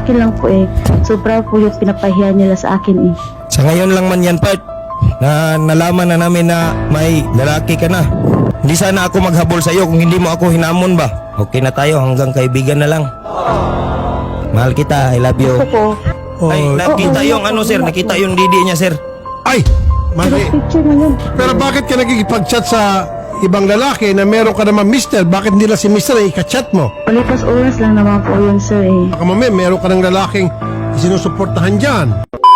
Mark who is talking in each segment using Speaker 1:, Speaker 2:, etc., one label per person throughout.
Speaker 1: akin lang po eh. Sobra po yung pinapahiya nila sa akin eh.
Speaker 2: Sa ngayon lang man yan, part, na nalaman na namin na may lalaki ka na. Hindi sana ako maghabol sa iyo kung hindi mo ako hinamon ba. Okay na tayo, hanggang kaibigan na lang. Mahal kita, I love you.
Speaker 1: Gusto ko.
Speaker 2: Ay, nakita yung ano, sir, nakita yung didi niya, sir.
Speaker 3: Ay! Mali.
Speaker 1: Picture na yun.
Speaker 3: Pero bakit ka nagkikipag-chat sa ibang lalaki na meron ka naman mister? Bakit hindi lang si mister ay ika-chat mo?
Speaker 1: Palipas oras lang naman po yun sir eh.
Speaker 3: Baka mamaya meron ka ng lalaking sinusuportahan dyan.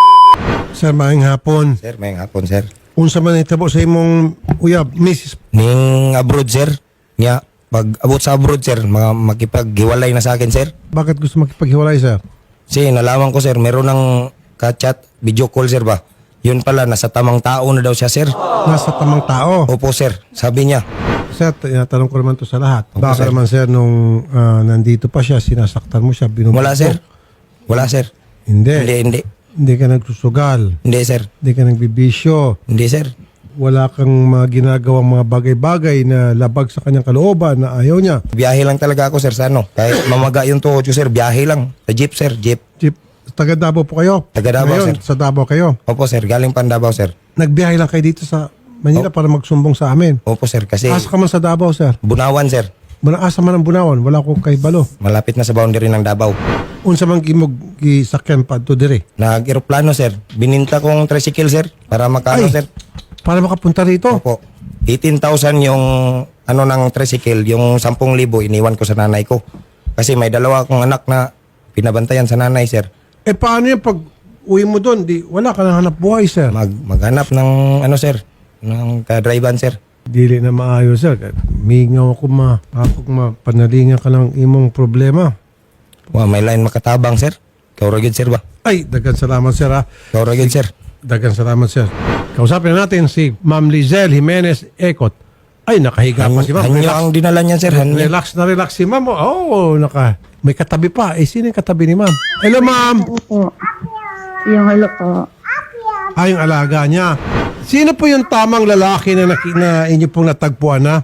Speaker 3: Sir, maayong hapon.
Speaker 2: Sir, may hapon, sir.
Speaker 3: Unsa man itabo sa imong uyab, Mrs.
Speaker 2: Ning abroad, sir. Nga, pag abot sa abroad, sir, makipaghiwalay na sa akin, sir.
Speaker 3: Bakit gusto makipaghiwalay, sir?
Speaker 2: Kasi nalaman ko, sir, meron ng ka-chat, video call, sir ba? Yun pala, nasa tamang tao na daw siya, sir.
Speaker 3: Nasa tamang tao.
Speaker 2: Opo, sir. Sabi niya.
Speaker 3: Sir, tinatanong ko naman to sa lahat.
Speaker 2: Opo,
Speaker 3: Baka
Speaker 2: sir.
Speaker 3: naman, sir, nung nandito pa siya, sinasaktan mo siya, binubugbog.
Speaker 2: Wala, sir. Wala, sir.
Speaker 3: Hindi.
Speaker 2: Hindi.
Speaker 3: Hindi ka nagsusugal.
Speaker 2: Hindi, sir.
Speaker 3: Hindi ka nagbibisyo.
Speaker 2: Hindi, sir.
Speaker 3: Wala kang mga ginagawang mga bagay-bagay na labag sa kanyang kalooban na ayaw niya.
Speaker 2: Biyahe lang talaga ako, sir, sa ano. Kahit mamaga yung tuhod ko, sir, biyahe lang. Sa jeep, sir, jeep.
Speaker 3: Chief, taga Davao po kayo?
Speaker 2: Taga Davao,
Speaker 3: Ngayon,
Speaker 2: sir.
Speaker 3: sa Davao kayo.
Speaker 2: Opo, sir. Galing Pandabaw, sir.
Speaker 3: Nagbiyahe lang kayo dito sa Manila para magsumbong sa amin.
Speaker 2: Opo, sir. Kasi
Speaker 3: Asa ka man sa Davao, sir?
Speaker 2: Bunawan, sir.
Speaker 3: Asa man ang Bunawan, wala ko kay Balo.
Speaker 2: Malapit na sa boundary ng Davao.
Speaker 3: Unsa man gimog gisakyan pa to dire?
Speaker 2: Nag-aeroplano, sir. Bininta kong tricycle, sir. Para makano,
Speaker 3: Ay.
Speaker 2: sir.
Speaker 3: Para makapunta rito.
Speaker 2: Opo. 18,000 yung ano ng tricycle, yung 10,000 iniwan ko sa nanay ko. Kasi may dalawa akong anak na pinabantayan sa nanay, sir.
Speaker 3: Eh paano yung pag uwi mo doon, di wala ka nang hanap buhay, sir.
Speaker 2: Maghanap ng ano, sir, ng kadriban, sir.
Speaker 3: Dili na maayos, sir. Mingaw ako panalingan ka ng imong problema.
Speaker 2: Wow, may line makatabang, sir. Kauragid, sir ba?
Speaker 3: Ay, dagan salamat, sir, ha.
Speaker 2: Kauragid, sir.
Speaker 3: Dagan salamat, sir. Kausapin natin si Ma'am Lizelle Jimenez Ecot. Ay, nakahiga pa si Ma'am.
Speaker 2: Hanyo ang dinala niya, sir. Hanyo.
Speaker 3: Relax si Ma'am. Oh, may katabi pa. Eh, sino yung katabi ni Ma'am? Hello, Ma'am.
Speaker 1: Opo. Yung hello po.
Speaker 3: Yung alaga niya. Sino po yung tamang lalaki na inyo pong natagpuan na?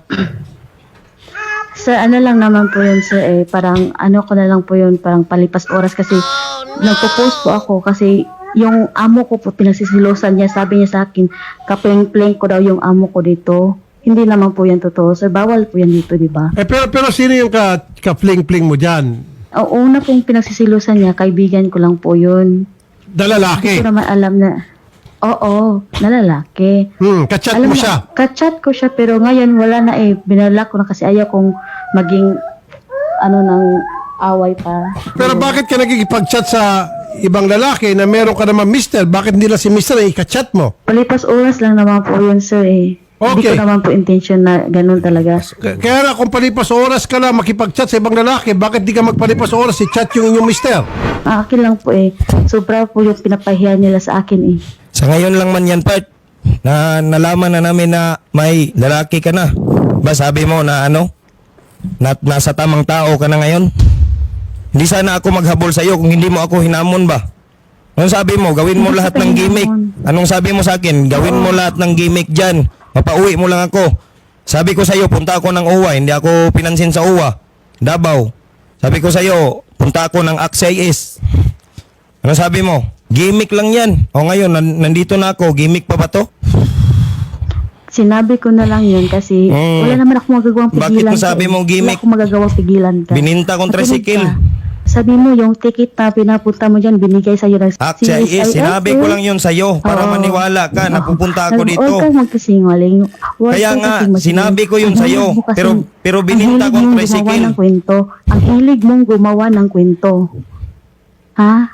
Speaker 1: Sir, ano lang naman po yun sir eh. Parang ano ko na lang po yun. Parang palipas oras kasi nagpo-post po ako kasi yung amo ko po pinagsisilosan niya. Sabi niya sa akin, kapleng-pleng ko daw yung amo ko dito. Hindi naman po yan totoo. Sir, bawal po yan dito, di ba?
Speaker 3: Eh, pero sino yung ka-fling-fling mo dyan?
Speaker 1: Ang una pong pinagsisilosan niya, kaibigan ko lang po yun. Hindi
Speaker 3: Dalalaki.
Speaker 1: ko naman alam na, oo, nalalaki.
Speaker 3: Kachat
Speaker 1: Alam
Speaker 3: mo
Speaker 1: mo,
Speaker 3: siya.
Speaker 1: Kachat ko siya pero ngayon wala na eh. Binalak ko na kasi ayaw kong maging ano ng away pa.
Speaker 3: Pero bakit ka nagkikipag-chat sa ibang lalaki na meron ka naman mister? Bakit hindi lang si mister ay kachat mo?
Speaker 1: Palipas oras lang naman po yun sir eh. Hindi
Speaker 3: Okay.
Speaker 1: ko naman po intention na ganun talaga.
Speaker 3: Kaya nga kung palipas oras ka lang makipag-chat sa ibang lalaki, bakit di ka magpalipas oras i-chat yung inyong mister?
Speaker 1: Akin lang po eh. Sobra po yung pinapahiya nila sa akin eh.
Speaker 2: Sa ngayon lang man yan, part, na nalaman na namin na may lalaki ka na. Ba sabi mo na ano? Nasa tamang tao ka na ngayon? Hindi sana ako maghabol sa iyo kung hindi mo ako hinamon ba? Anong sabi mo? Gawin mo
Speaker 1: Hindi
Speaker 2: lahat
Speaker 1: kita
Speaker 2: ng gimmick.
Speaker 1: hinamon.
Speaker 2: Anong sabi mo sa akin? Gawin mo lahat ng gimmick dyan. Mapauwi mo lang ako. Sabi ko sa iyo, punta ako ng UWA. Hindi ako pinansin sa UWA. Davao. Sabi ko sa iyo, punta ako ng AXIS. Ano sabi mo? Gimmick lang yan. O ngayon, nandito na ako. Gimmick pa ba to?
Speaker 1: Sinabi ko na lang yun kasi wala naman ako magagawang pigilan.
Speaker 2: Bakit mo
Speaker 1: ka
Speaker 2: sabi
Speaker 1: eh.
Speaker 2: mong gimmick?
Speaker 1: Wala akong magagawang pigilan ka.
Speaker 2: Bininta kong
Speaker 1: Nakinig
Speaker 2: tricycle.
Speaker 1: ka. Sabi mo yung ticket na pinapunta mo dyan, binigay sa'yo ng
Speaker 2: AXIS, sinabi ko lang yun sa'yo para
Speaker 1: Oo.
Speaker 2: maniwala ka na pupunta ako dito.
Speaker 1: Huwag kang magkasingaling.
Speaker 2: Kaya nga, sinabi ko yun sa'yo. Pero bininta kong tricycle.
Speaker 1: Ang hilig mong gumawa ng kwento. Ha?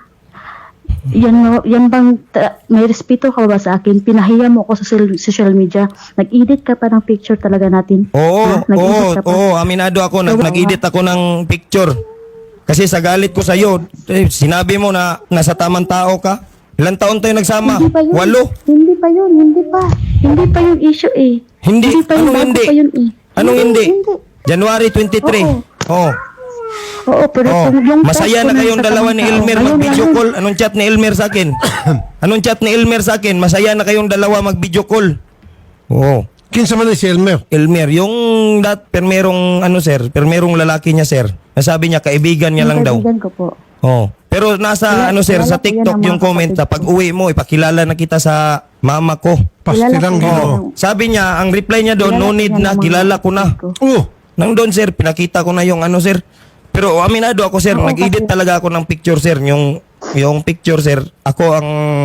Speaker 1: Yan bang may respeto ka ba sa akin? Pinahiya mo ako sa social media. Nag-edit ka pa ng picture talaga natin.
Speaker 2: Oo,
Speaker 1: Ha? Nag-edit ka pa.
Speaker 2: aminado ako.
Speaker 1: So,
Speaker 2: Nag-edit ako ng picture. Kasi sa galit ko sa'yo, sinabi mo na nasa tamang tao ka. Ilang taon tayo nagsama?
Speaker 1: Hindi pa yun.
Speaker 2: 8.
Speaker 1: Hindi pa yun. Hindi pa yung issue eh.
Speaker 2: Hindi.
Speaker 1: pa yun.
Speaker 2: Anong
Speaker 1: Bago
Speaker 2: hindi?
Speaker 1: pa yun eh.
Speaker 2: Anong hindi? January 23. Oo.
Speaker 1: Oo, pero kung yung
Speaker 2: Masaya
Speaker 1: post
Speaker 2: na
Speaker 1: ko
Speaker 2: kayong
Speaker 1: sa
Speaker 2: dalawa ni
Speaker 1: tamang
Speaker 2: Elmer
Speaker 1: tao,
Speaker 2: mag-video
Speaker 1: ngayon,
Speaker 2: call. Anong chat ni Elmer sa akin? Anong chat ni Elmer sa akin? Masaya na kayong dalawa mag-video call. Oo.
Speaker 3: Kinsa man si Elmer?
Speaker 2: Elmer, yung permerong ano sir, permerong lalaki niya sir. Nasabi niya kaibigan niya lang daw.
Speaker 1: kaibigan ko po.
Speaker 2: Oh. Pero nasa
Speaker 1: Kilala-
Speaker 2: sir,
Speaker 1: kilala
Speaker 2: sa
Speaker 1: ko yan
Speaker 2: TikTok
Speaker 1: ng
Speaker 2: yung
Speaker 1: mga
Speaker 2: comment na
Speaker 1: kapatid
Speaker 2: pag
Speaker 1: ko.
Speaker 2: uwi mo, ipakilala na kita sa mama ko.
Speaker 3: Pastilang
Speaker 1: Kilala ko
Speaker 3: Ginoo.
Speaker 1: yan.
Speaker 2: Sabi niya, ang reply niya doon,
Speaker 1: Kilala
Speaker 2: no
Speaker 1: ko
Speaker 2: need
Speaker 1: yan
Speaker 2: na,
Speaker 1: ng mga
Speaker 2: kilala ko na.
Speaker 1: kapatid ko.
Speaker 3: Oh,
Speaker 2: Nang doon sir, pinakita ko na yung sir. Pero aminado ako sir,
Speaker 1: Oo,
Speaker 2: nag-edit
Speaker 1: kasi-
Speaker 2: talaga ako ng picture sir. Yung picture sir, ako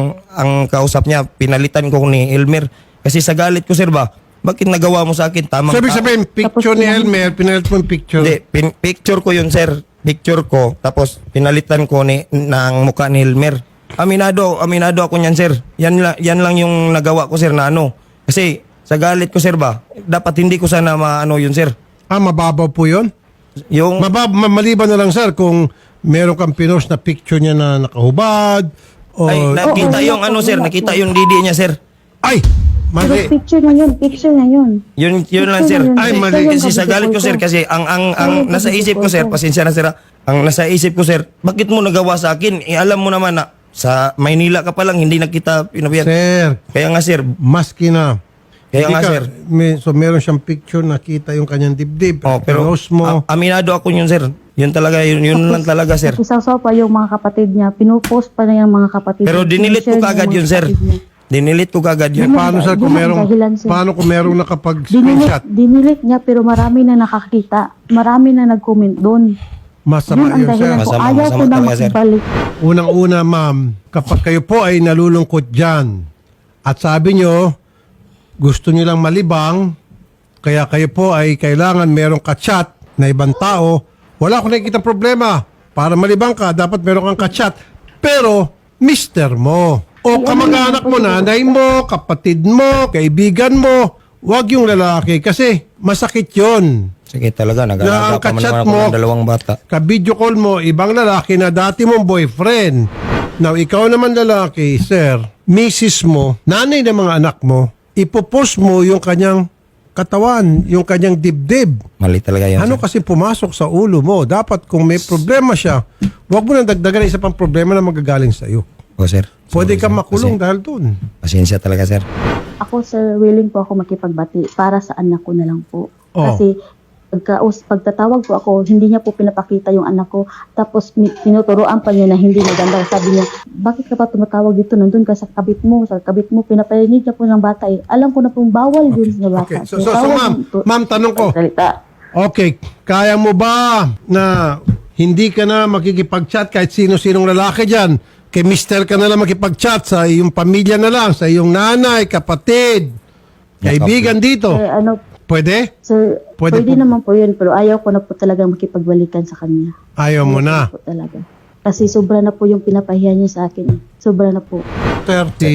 Speaker 2: ang kausap niya, pinalitan ko ni Elmer. Kasi sa galit ko sir ba, bakit nagawa mo sa akin? Tamang
Speaker 3: so ibig sabihin, picture
Speaker 1: Tapos
Speaker 3: ni
Speaker 1: pinag-
Speaker 3: Elmer, pinalit mo yung picture.
Speaker 2: Hindi, picture ko yun sir. Picture ko, tapos pinalitan ko ng mukha ni Elmer. Aminado ako niyan sir. Yan lang yung nagawa ko sir na ano. Kasi sa galit ko sir ba, dapat hindi ko sana maano yun sir.
Speaker 3: Mababaw po yun?
Speaker 2: Yung
Speaker 3: Maliban na lang sir kung meron kang pinost na picture niya na nakahubad o
Speaker 2: ay nakita
Speaker 1: Oo,
Speaker 2: yung
Speaker 1: wala
Speaker 2: ano
Speaker 1: po,
Speaker 2: sir,
Speaker 1: wala
Speaker 2: nakita
Speaker 1: po.
Speaker 2: yung didi niya sir.
Speaker 3: ay
Speaker 1: Pero
Speaker 3: mali.
Speaker 1: picture na yun.
Speaker 2: Yun lang sir.
Speaker 1: Picture na yun.
Speaker 3: Ay,
Speaker 1: Picture
Speaker 3: mali.
Speaker 1: yung
Speaker 2: Kasi sa galit ko sir
Speaker 1: kabisipol
Speaker 2: kasi ang
Speaker 1: Ayun,
Speaker 2: nasa isip ko sir,
Speaker 1: kabisipol
Speaker 2: pasensya na sir. Ang nasa isip ko sir, bakit mo nagawa sa akin? Alam mo naman na sa Maynila ka pa lang hindi na kita pinabiyan.
Speaker 3: Sir,
Speaker 2: Kaya nga sir,
Speaker 3: maski na.
Speaker 2: Kaya
Speaker 3: Hindi
Speaker 2: nga, sir.
Speaker 3: so meron siyang picture, nakita yung kanyang dibdib.
Speaker 2: oh, pero
Speaker 3: pinost mo.
Speaker 2: aminado ako yun sir. Yun talaga yun lang talaga sir.
Speaker 1: Isaw-saw pa yung mga kapatid niya. Pinupost pa na yung mga kapatid
Speaker 2: Pero
Speaker 1: niya.
Speaker 2: dinilit ko
Speaker 1: Sinishare niya
Speaker 2: kagad
Speaker 1: yung
Speaker 2: yun
Speaker 1: mga
Speaker 2: sir.
Speaker 1: kapatid niya.
Speaker 2: Dinilit ko kagad yun.
Speaker 3: Paano sir kung
Speaker 1: yun ang
Speaker 3: merong,
Speaker 1: dahilan, sir.
Speaker 3: paano kung merong nakapag-screenshot?
Speaker 1: Dinilit niya pero marami na nakakita. Marami na nag-comment doon.
Speaker 3: Masama
Speaker 1: Yun ang
Speaker 3: yun sir.
Speaker 1: dahilan ko.
Speaker 2: Masama,
Speaker 1: Ayaw
Speaker 2: masama
Speaker 1: ko na
Speaker 2: talaga, sir.
Speaker 1: makibalik.
Speaker 3: Unang-una ma'am, kapag kayo po ay nalulungkot dyan at sabi nyo, gusto nyo lang malibang, kaya kayo po ay kailangan merong kachat na ibang tao, wala akong nakikita problema. Para malibang ka, dapat meron kang kachat. Pero, mister mo, o kamag-anak mo, nanay mo, kapatid mo, kaibigan mo, wag yung lalaki kasi masakit yon.
Speaker 2: Sige talaga,
Speaker 3: Na ang
Speaker 2: nag-alaga pa man
Speaker 3: kachat
Speaker 2: naman ako
Speaker 3: mo,
Speaker 2: ng dalawang bata.
Speaker 3: ka-video call mo, ibang lalaki na dati mong boyfriend. Now, ikaw naman lalaki, sir, misis mo, nanay ng mga anak mo, ipopost mo yung kanyang katawan, yung kanyang dibdib.
Speaker 2: Mali talaga yun
Speaker 3: Ano
Speaker 2: sir.
Speaker 3: kasi pumasok sa ulo mo? Dapat kung may problema siya, huwag mo nang dagdagan ng isa pang problema na magagaling sa iyo.
Speaker 2: O sir.
Speaker 3: Pwede
Speaker 2: Sorry,
Speaker 3: kang
Speaker 2: sir.
Speaker 3: makulong dahil doon.
Speaker 2: Pasensya talaga sir.
Speaker 1: Ako sir, willing po ako makipagbati para sa anak ko na lang po.
Speaker 3: Oh.
Speaker 1: Kasi pagtatawag po ako, hindi niya po pinapakita yung anak ko. Tapos tinuturoan pa niya na hindi maganda. Sabi niya, bakit ka pa tumatawag dito? Nandun ka sa kabit mo. Sa kabit mo, pinaparinig niya po ng bata eh. Alam ko na pong bawal din sa bata.
Speaker 3: Okay. So,
Speaker 1: bawal
Speaker 3: ma'am, tanong ko.
Speaker 1: Salita.
Speaker 3: Okay, kaya mo ba na hindi ka na makikipag-chat kahit sino-sinong lalaki dyan? Kay mister ka na lang makipag-chat sa iyong pamilya na lang, sa iyong nanay, kapatid, kaibigan dito.
Speaker 1: Ano,
Speaker 3: Pwede?
Speaker 1: sir,
Speaker 3: Pwede
Speaker 1: pwede,
Speaker 3: po.
Speaker 1: naman po yun, pero ayaw ko na po talaga makipagbalikan sa kanya.
Speaker 3: Ayaw mo na.
Speaker 1: Po talaga. Kasi sobra na po yung pinapahiya niya sa akin. Sobra na po.
Speaker 3: Sir, si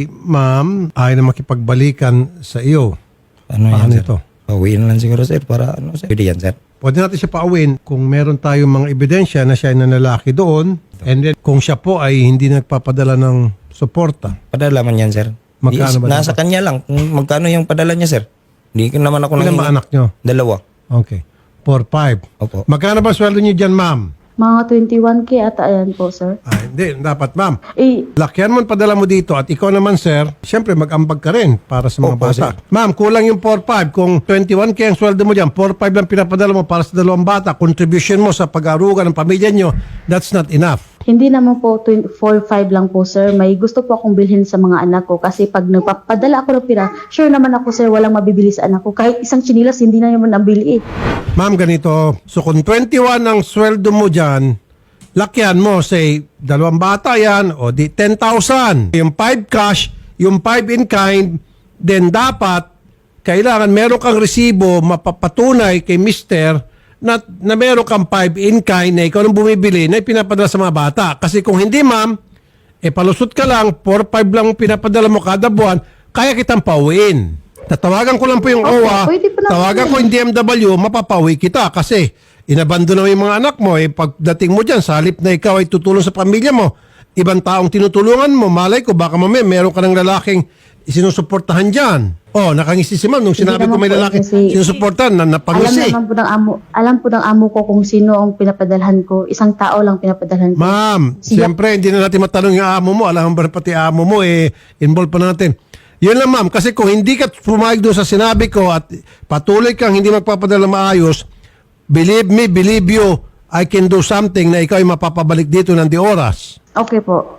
Speaker 3: ma'am ayaw na makipagbalikan sa iyo.
Speaker 2: Ano
Speaker 3: Paano
Speaker 2: yan sir?
Speaker 3: ito?
Speaker 2: Pauwiin lang siguro sir para ano sir. Pwede yan sir.
Speaker 3: Pwede natin siya paawin kung meron tayong mga ebidensya na siya ay nanlalaki doon and then kung siya po ay hindi nagpapadala ng suporta.
Speaker 2: Padala man yan sir.
Speaker 3: Magkano ba
Speaker 2: Nasa kanya lang. Kung magkano yung padala niya sir. Hindi ko naman ako
Speaker 3: Ilan ba anak nyo?
Speaker 2: Dalawa.
Speaker 3: Okay. 4-5.
Speaker 2: Opo.
Speaker 3: Magkano ba sweldo niyo dyan, ma'am?
Speaker 1: Mga 21K ata yan po, sir.
Speaker 3: Hindi. Dapat, ma'am.
Speaker 1: Eh,
Speaker 3: Lakyan mo ang padala mo dito at ikaw naman, sir, siyempre mag-ambag ka rin para sa mga
Speaker 2: Opo,
Speaker 3: bata. Ma'am, kulang yung 4-5. Kung 21K ang sweldo mo dyan, 4-5 lang pinapadala mo para sa dalawang bata, contribution mo sa pag-aruga ng pamilya nyo, that's not enough.
Speaker 1: hindi naman po 4-5 lang po, sir. May gusto po akong bilhin sa mga anak ko kasi pag nagpapadala ako ng pira, sure naman ako, sir, walang mabibili sa anak ko. Kahit isang chinilas, hindi na naman nabili eh.
Speaker 3: Ma'am, ganito. So kung 21 ang sweldo mo dyan, lakyan mo, say, dalawang bata yan, o di 10,000. Yung 5 cash, yung 5 in kind, then dapat, kailangan meron kang resibo mapapatunay kay mister na meron kang 5 in kind na ikaw nang bumibili na pinapadala sa mga bata. Kasi kung hindi, ma'am, palusot ka lang, 4-5 lang pinapadala mo kada buwan, kaya kitang pauwiin. Tatawagan ko lang po yung
Speaker 1: Okay,
Speaker 3: OWA,
Speaker 1: pwede po naman
Speaker 3: tawagan
Speaker 1: yun.
Speaker 3: ko yung DMW, mapapauwi kita kasi inabando na yung mga anak mo. Pagdating mo dyan, sa halip na ikaw ay tutulong sa pamilya mo, ibang taong tinutulungan mo, malay ko, baka mamaya meron ka ng lalaking isinusuportahan dyan. Nakangisi si ma'am nung sinabi ko may
Speaker 1: naman po
Speaker 3: lalaki
Speaker 1: kasi-
Speaker 3: sinusuportahan na napangisi.
Speaker 1: Alam po ng amo ko kung sino ang pinapadalhan ko. Isang tao lang pinapadalhan ko.
Speaker 3: Ma'am,
Speaker 1: Siya-
Speaker 3: siyempre hindi na natin matanong yung amo mo. Alam mo ba pati amo mo, involve pa natin. Yun lang ma'am, kasi kung hindi ka pumayag doon sa sinabi ko at patuloy kang hindi magpapadala maayos, believe me, believe you, I can do something na ikaw ay mapapabalik dito ng di oras.
Speaker 1: Okay po.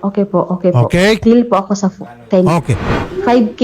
Speaker 3: Okay.
Speaker 1: Deal po ako sa 10.
Speaker 3: Okay.
Speaker 1: 5K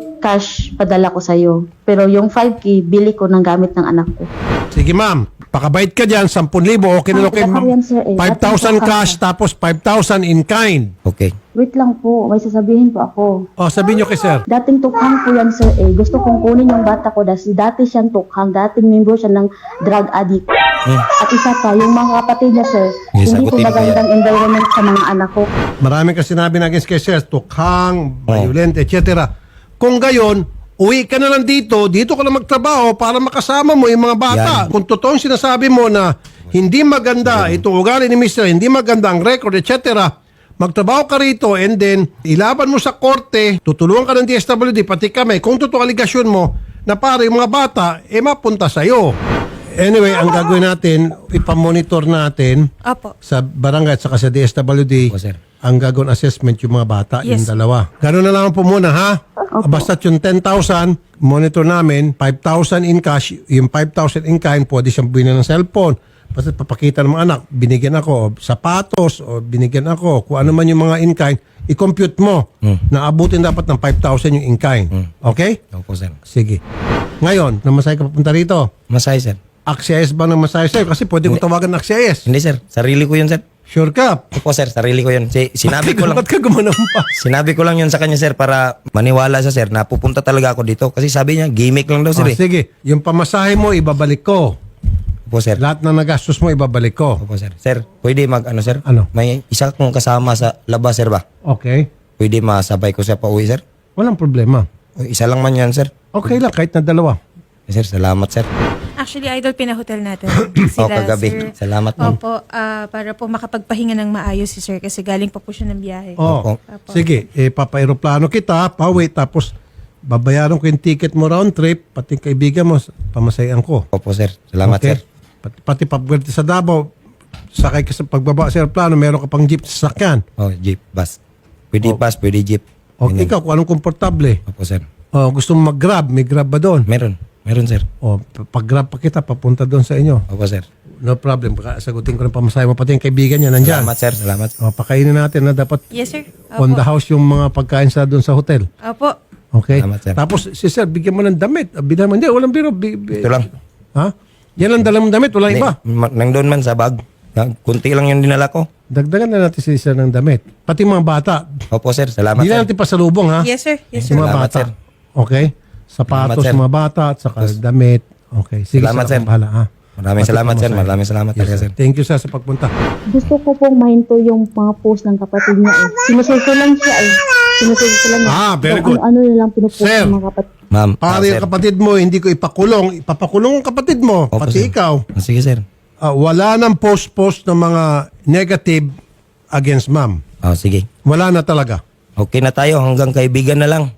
Speaker 1: cash padala ko sa'yo. Pero yung 5K, bili ko ng gamit ng anak ko.
Speaker 3: Sige ma'am, pakabait ka dyan, 10,000, okay na okay.
Speaker 1: Yan, sir, eh.
Speaker 3: 5,000 cash tapos 5,000 in kind.
Speaker 2: Okay.
Speaker 1: Wait lang po, may sasabihin po ako.
Speaker 3: O, sabihin nyo kay sir.
Speaker 1: Dating tukhang po yan, sir, eh. Gusto kong kunin yung bata ko dahil dati siyang tukhang, dating member siya ng drug addict. At isa pa, yung mga kapatid niya, sir,
Speaker 2: Yes,
Speaker 1: hindi po
Speaker 2: sagutin ko
Speaker 1: magandang environment sa mga anak ko.
Speaker 3: Maraming kasi sinabi na against kay sir, tukhang, violent, etc. Kung gayon, uwi ka na lang dito ka lang magtrabaho para makasama mo yung mga bata.
Speaker 2: Yan.
Speaker 3: Kung totoong sinasabi mo na hindi maganda itong ugali ni Mr. Hindi maganda ang record, etc. Magtrabaho ka rito and then ilaban mo sa korte, tutulungan ka ng DSWD, pati kami, kung totoo aligasyon mo na para yung mga bata, mapunta sa'yo. Anyway, ang gagawin natin, ipamonitor natin
Speaker 4: Opo.
Speaker 3: sa barangay at saka sa DSWD,
Speaker 2: Opo, sir.
Speaker 3: ang gagawin assessment yung mga bata, yung
Speaker 4: Yes.
Speaker 3: dalawa. Gano'n na lang po muna, ha? Basta yung 10,000, monitor namin, 5,000 in cash, yung 5,000 in kind, pwede siyang bilhin ng cellphone. Basta papakita ng mga anak, binigyan ako, o sapatos, o binigyan ako, kung ano man yung mga in kind, i-compute mo na abutin dapat ng 5,000 yung in kind. Okay?
Speaker 2: Opo, sir.
Speaker 3: Sige. Ngayon, namasay ka papunta rito.
Speaker 2: Masay, sir.
Speaker 3: AXIS ba ng masaya sa'yo? Kasi pwede ko tawagan ng AXIS.
Speaker 2: Hindi, sir. Sarili ko yun, sir.
Speaker 3: Sure ka?
Speaker 2: Opo, sir. Sarili ko yun. Sinabi ko lang.
Speaker 3: Ba't ka gumanampa?
Speaker 2: Sinabi ko lang yun sa kanya, sir, para maniwala siya, sir, na pupunta talaga ako dito. Kasi sabi niya, gimmick lang daw, sir.
Speaker 3: Oh, sige. Yung pamasahe mo, ibabalik ko.
Speaker 2: Opo, sir.
Speaker 3: Lahat na nagastos mo, ibabalik ko.
Speaker 2: Opo, sir. Sir, pwede sir?
Speaker 3: Ano?
Speaker 2: May isa kong kasama sa labas, sir ba?
Speaker 3: Okay.
Speaker 2: Pwede masabay ko siya pa uwi, sir?
Speaker 3: Walang problema.
Speaker 2: Isa lang man yan, sir.
Speaker 3: Okay lang, kahit na dalawa.
Speaker 2: Sir, salamat, sir.
Speaker 4: Actually, Idol, pinahotel natin
Speaker 2: kagabi.
Speaker 4: sir.
Speaker 2: Salamat, ma'am.
Speaker 4: Opo, para po makapagpahinga ng maayos si sir kasi galing pa po siya ng biyahe.
Speaker 3: Oh,
Speaker 4: Opo.
Speaker 3: sige. Papa-aeroplano kita, pauwi, tapos babayaran ko yung ticket mo round trip, pati kaibigan mo, pamasayan ko.
Speaker 2: Opo, sir. Salamat,
Speaker 3: Okay?
Speaker 2: sir.
Speaker 3: Pati pagwerte sa Davao, sakay ka sa pagbaba sa aeroplano, meron ka pang jeep sa sakyan.
Speaker 2: Oh, jeep, bus. Pwede bus, pwede jeep.
Speaker 3: Okay, ikaw, kung anong komportable.
Speaker 2: Opo, sir.
Speaker 3: Oh, gusto mo mag-grab, may grab ba doon?
Speaker 2: Meron. Meron, sir.
Speaker 3: Oh, pag-grab pa kita, papunta doon sa inyo.
Speaker 2: Opo, sir.
Speaker 3: No problem. Sagutin ko ng pamasahe mo. Pati yung kaibigan niya nandyan.
Speaker 2: Salamat, sir. Salamat.
Speaker 3: O, pakainin natin na dapat
Speaker 4: Yes, sir.
Speaker 3: on the house yung mga pagkain sa doon sa hotel.
Speaker 4: Opo.
Speaker 3: Okay?
Speaker 2: Salamat, sir.
Speaker 3: Tapos, si sir, bigyan mo ng damit. Bigyan mo, hindi, walang biro.
Speaker 2: Ito lang.
Speaker 3: Ha? Yan ang dala mong damit, walang iba.
Speaker 2: Nang doon man sa bag. Kunti lang yung dinala ko.
Speaker 3: Dagdagan na natin si sir ng damit. Pati mga bata.
Speaker 2: Opo, sir. Salamat,
Speaker 3: Hindi na
Speaker 2: sir.
Speaker 3: natin pasalubong, ha?
Speaker 4: Yes, sir. Yes,
Speaker 3: Yung
Speaker 4: sir.
Speaker 3: mga
Speaker 2: Salamat,
Speaker 3: bata.
Speaker 2: sir.
Speaker 3: Okay? Sapatos,
Speaker 2: Salamat, sir.
Speaker 3: mga bata, at saka damit. Okay. Sige,
Speaker 2: Salamat,
Speaker 3: sir.
Speaker 2: sir.
Speaker 3: Akong bahala, ha?
Speaker 2: Maraming
Speaker 3: Pati
Speaker 2: salamat, sir.
Speaker 3: pamasahe.
Speaker 2: Maraming salamat
Speaker 3: Yes,
Speaker 2: talaga,
Speaker 3: sir.
Speaker 2: sir.
Speaker 3: Thank you, sir, sa pagpunta.
Speaker 1: Gusto ko pong mahinto yung mga post ng kapatid niya eh. Sinusulsulan siya eh. Sinusulsulan niya.
Speaker 3: Ah, very
Speaker 1: Kung
Speaker 3: good.
Speaker 1: Ano na lang pinupost
Speaker 3: Sir.
Speaker 1: ng mga kapatid.
Speaker 2: Ma'am.
Speaker 3: Para
Speaker 2: sir.
Speaker 3: yung kapatid mo, hindi ko ipakulong. Ipapakulong ang kapatid mo,
Speaker 2: Opo,
Speaker 3: pati
Speaker 2: sir.
Speaker 3: ikaw.
Speaker 2: Sige, sir.
Speaker 3: Wala nang post-post ng mga negative against ma'am.
Speaker 2: Oh, sige.
Speaker 3: Wala na talaga.
Speaker 2: Okay na tayo. Hanggang kaibigan na lang.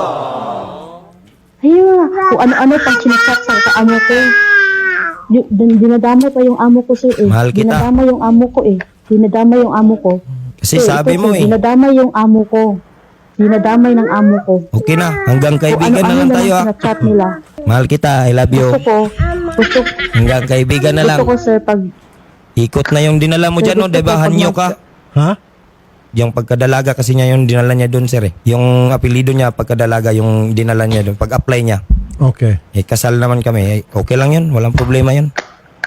Speaker 1: Ayun, kung ano-ano pang sinachat sa amo ko. Dinadama pa yung amo ko sir eh.
Speaker 2: Mahal kita.
Speaker 1: Dinadama yung amo ko eh. Dinadama yung amo ko.
Speaker 2: Kasi
Speaker 1: Sir,
Speaker 2: sabi
Speaker 1: ito,
Speaker 2: mo
Speaker 1: sir,
Speaker 2: eh.
Speaker 1: Dinadamay yung amo ko. Dinadamay ng amo ko.
Speaker 2: Okay na. Hanggang
Speaker 1: Kung
Speaker 2: kaibigan na
Speaker 1: ano-ano
Speaker 2: lang
Speaker 1: na
Speaker 2: tayo,
Speaker 1: lang
Speaker 2: ha.
Speaker 1: sinachat nila.
Speaker 2: Mahal kita. I love you.
Speaker 1: Gusto
Speaker 2: Hanggang kaibigan na lang.
Speaker 1: ko sir pag
Speaker 2: Ikot na yung dinala mo dyan, no?
Speaker 1: Gusto ko
Speaker 2: Diba?
Speaker 1: pag
Speaker 2: Hanyo ka.
Speaker 3: Ha?
Speaker 2: Yung pagkadalaga kasi niya yung dinala niya doon, sir, eh. Yung apelido niya, pagkadalaga, yung dinala niya doon. Pag-apply niya.
Speaker 3: Okay.
Speaker 2: Kasal naman kami. Okay lang yun. Walang problema yun.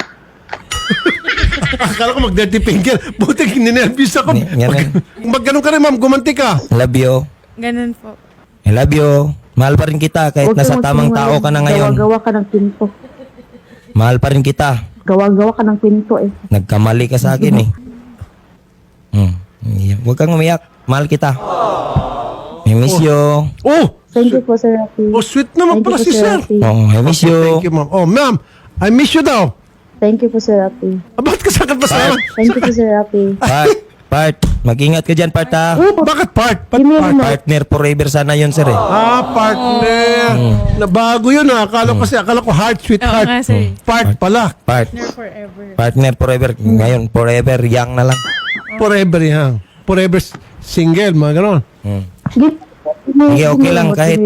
Speaker 3: Akala ko mag-dirty finger. Buti ninervous ako.
Speaker 2: Yan yan.
Speaker 3: Mag ganun ka rin, ma'am. Gumanti ka.
Speaker 2: I love you.
Speaker 4: Ganun po.
Speaker 2: I love you. Mahal pa rin kita kahit
Speaker 1: huwag
Speaker 2: nasa
Speaker 1: kang
Speaker 2: tamang tao ka na ngayon.
Speaker 1: Gawa-gawa ka ng pinto.
Speaker 2: Mahal pa rin kita.
Speaker 1: Gawa-gawa ka ng pinto eh.
Speaker 2: Nagkamali ka sa akin, eh. Huwag kang umiyak. Mahal kita. I miss you.
Speaker 3: Oh!
Speaker 1: Thank you po Sir Rafi.
Speaker 3: Oh, sweet naman
Speaker 1: Thank
Speaker 3: pala
Speaker 1: you po,
Speaker 3: si
Speaker 1: Sir
Speaker 3: sir.
Speaker 1: Rafi.
Speaker 2: Oh, I miss you.
Speaker 3: Thank you, ma'am. Oh, ma'am. I miss you daw.
Speaker 1: Thank you po Sir Rafi.
Speaker 3: Bakit ka sakit pa sa
Speaker 1: Thank you po Sir Rafi.
Speaker 2: Part. Mag-ingat ka dyan, Part, ha.
Speaker 3: Bakit part? Ba't
Speaker 1: Give me a
Speaker 3: part?
Speaker 1: remote.
Speaker 2: Partner forever sana yun, sir, eh.
Speaker 3: Partner. Nabago yun, ha. Akala ko heart, sweet
Speaker 4: Oo
Speaker 3: heart.
Speaker 4: nga, sir.
Speaker 3: Part pala.
Speaker 4: Forever.
Speaker 2: Partner forever. Ngayon, forever young na lang.
Speaker 3: Forever yan. Forever single, mga ganon.
Speaker 2: Sige, okay lang, kahit-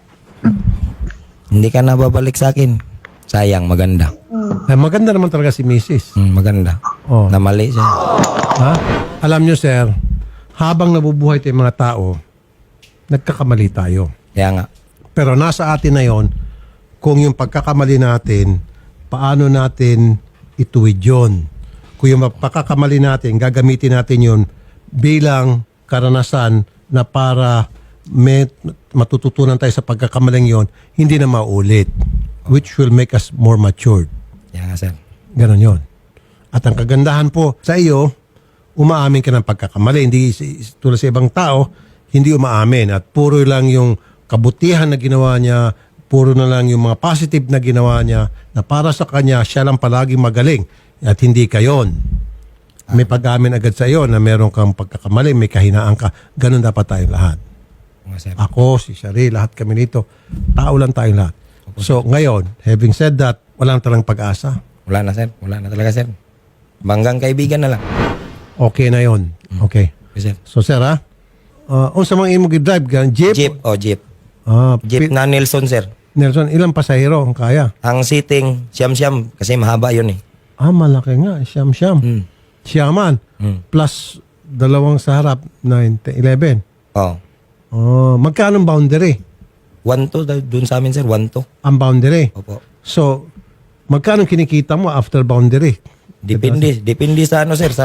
Speaker 2: Hindi ka na babalik sa akin. Sayang, maganda.
Speaker 3: Ay, maganda naman talaga si Mrs.
Speaker 2: Maganda.
Speaker 3: Oh.
Speaker 2: Na mali, sir.
Speaker 3: Ha? Alam nyo, sir, habang nabubuhay tayong mga tao, nagkakamali tayo.
Speaker 2: Kaya nga.
Speaker 3: Pero nasa atin na yon kung yung pagkakamali natin, paano natin ituwid yun. Kung yung pagkakamali natin, gagamitin natin yun bilang karanasan na para may matututunan tayo sa pagkakamaling yon, hindi na maulit. Which will make us more matured.
Speaker 2: Kaya nga, sir.
Speaker 3: Ganon yon. At ang kagandahan po sa iyo, umaamin ka ng pagkakamali. Hindi tulad sa ibang tao, hindi umaamin. At puro lang yung kabutihan na ginawa niya, puro na lang yung mga positive na ginawa niya, na para sa kanya, siya lang palagi magaling. At hindi ka yon. May pag-amin agad sa iyo na meron kang pagkakamali, may kahinaan ka. Ganon dapat tayong lahat.
Speaker 2: Nga, sir.
Speaker 3: Ako, si Shari, lahat kami nito. Tao lang tayong lahat. So ngayon, having said that, walang talang pag-asa.
Speaker 2: Wala na, sir. Wala na talaga, sir. Banggang kaibigan na lang.
Speaker 3: Okay na yon. Okay.
Speaker 2: Okay, sir.
Speaker 3: So sir ha, sa mga imo drive gan jeep?
Speaker 2: Jeep. Oh, jeep. Jeep
Speaker 3: Jeep
Speaker 2: na Nelson, sir.
Speaker 3: Nelson, ilang pasahero ang kaya?
Speaker 2: Ang sitting, siyam-siyam. Kasi mahaba yun eh.
Speaker 3: Malaki nga, siyam-siyam.
Speaker 2: Hmm.
Speaker 3: Siyaman. Plus dalawang sa harap, 9, 11.
Speaker 2: Oh.
Speaker 3: Magkano ang boundary?
Speaker 2: 1-2 dun sa amin, sir. 1-2.
Speaker 3: Ang boundary.
Speaker 2: Opo.
Speaker 3: So, magkano kinikita mo after boundary?
Speaker 2: Depende. Depende sa ano, sir.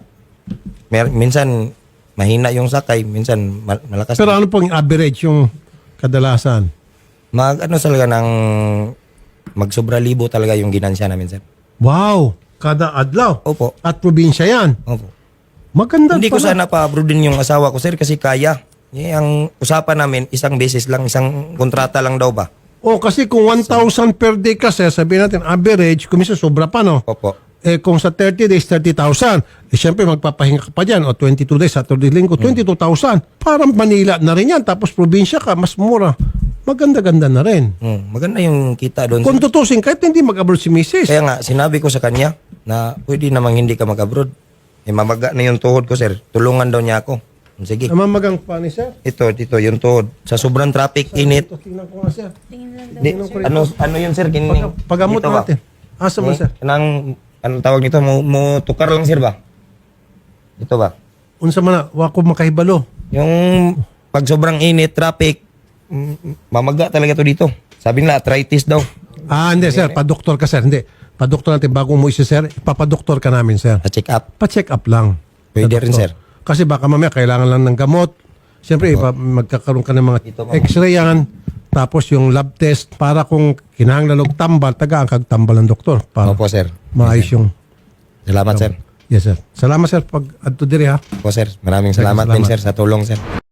Speaker 2: Minsan, mahina yung sakay. Minsan, malakas.
Speaker 3: Pero ano pong average yung kadalasan?
Speaker 2: Ano talaga ng magsobra libo talaga yung ginansya namin, sir.
Speaker 3: Wow! Kada adlaw.
Speaker 2: Opo.
Speaker 3: At probinsya yan.
Speaker 2: Opo.
Speaker 3: Maganda
Speaker 2: Hindi ko
Speaker 3: pala.
Speaker 2: sana pa-abroad din yung asawa ko, sir, kasi kaya. Ang usapan namin, isang beses lang, isang kontrata lang daw ba?
Speaker 3: Kasi kung 1,000 per day kasi, sabihin natin average, kumisa sobra pa, no?
Speaker 2: Opo.
Speaker 3: Kung sa 30 days, 30,000. Siyempre, magpapahinga ka pa dyan. O 22 days, Saturday, Linggo, 22,000. Parang Manila na rin yan. Tapos probinsya ka, mas mura. Maganda-ganda na rin.
Speaker 2: Maganda yung kita doon.
Speaker 3: Kung tutusin, kahit hindi mag-abroad si Mrs.
Speaker 2: Kaya nga, sinabi ko sa kanya na pwede namang hindi ka mag-abroad. Mamaga na yung tuhod ko, sir. Tulungan daw niya ako. Sige.
Speaker 3: Namamagang pa ni sir.
Speaker 2: Ito, yung tuhod. Sa sobrang traffic, init.
Speaker 3: Tingnan ko nga, sir.
Speaker 2: Ano yun, sir?
Speaker 3: Pagamot
Speaker 2: Dito ba?
Speaker 3: natin. Asa mo, sir?
Speaker 2: Anong tawag nito? Mo tukar lang, sir ba? Ito ba?
Speaker 3: Unsa man na, wako makahibalo.
Speaker 2: Yung pag sobrang init, traffic, mamaga talaga to dito. Sabi nila, arthritis daw.
Speaker 3: Hindi, sir. Pa-doktor ka, sir. Hindi. Pa-doktor natin bago mo isa, sir. Ipapadoktor ka namin, sir.
Speaker 2: Pa-check up.
Speaker 3: Pa-check up lang.
Speaker 2: Pwede
Speaker 3: Sa
Speaker 2: rin,
Speaker 3: doktor.
Speaker 2: sir.
Speaker 3: Kasi baka mamaya kailangan lang ng gamot. Siyempre, magkakaroon ka ng mga
Speaker 2: Dito, ma'am.
Speaker 3: x-ray yan. Tapos yung lab test para kung kinahanglan og tambal, taga ang kagtambal ng doktor. Para
Speaker 2: Opo, sir.
Speaker 3: maayos yung...
Speaker 2: Salamat, sir.
Speaker 3: Yes, sir. Salamat, sir. Pag adto diri ha.
Speaker 2: Opo, sir. Maraming salamat din, sir, sa tulong, sir.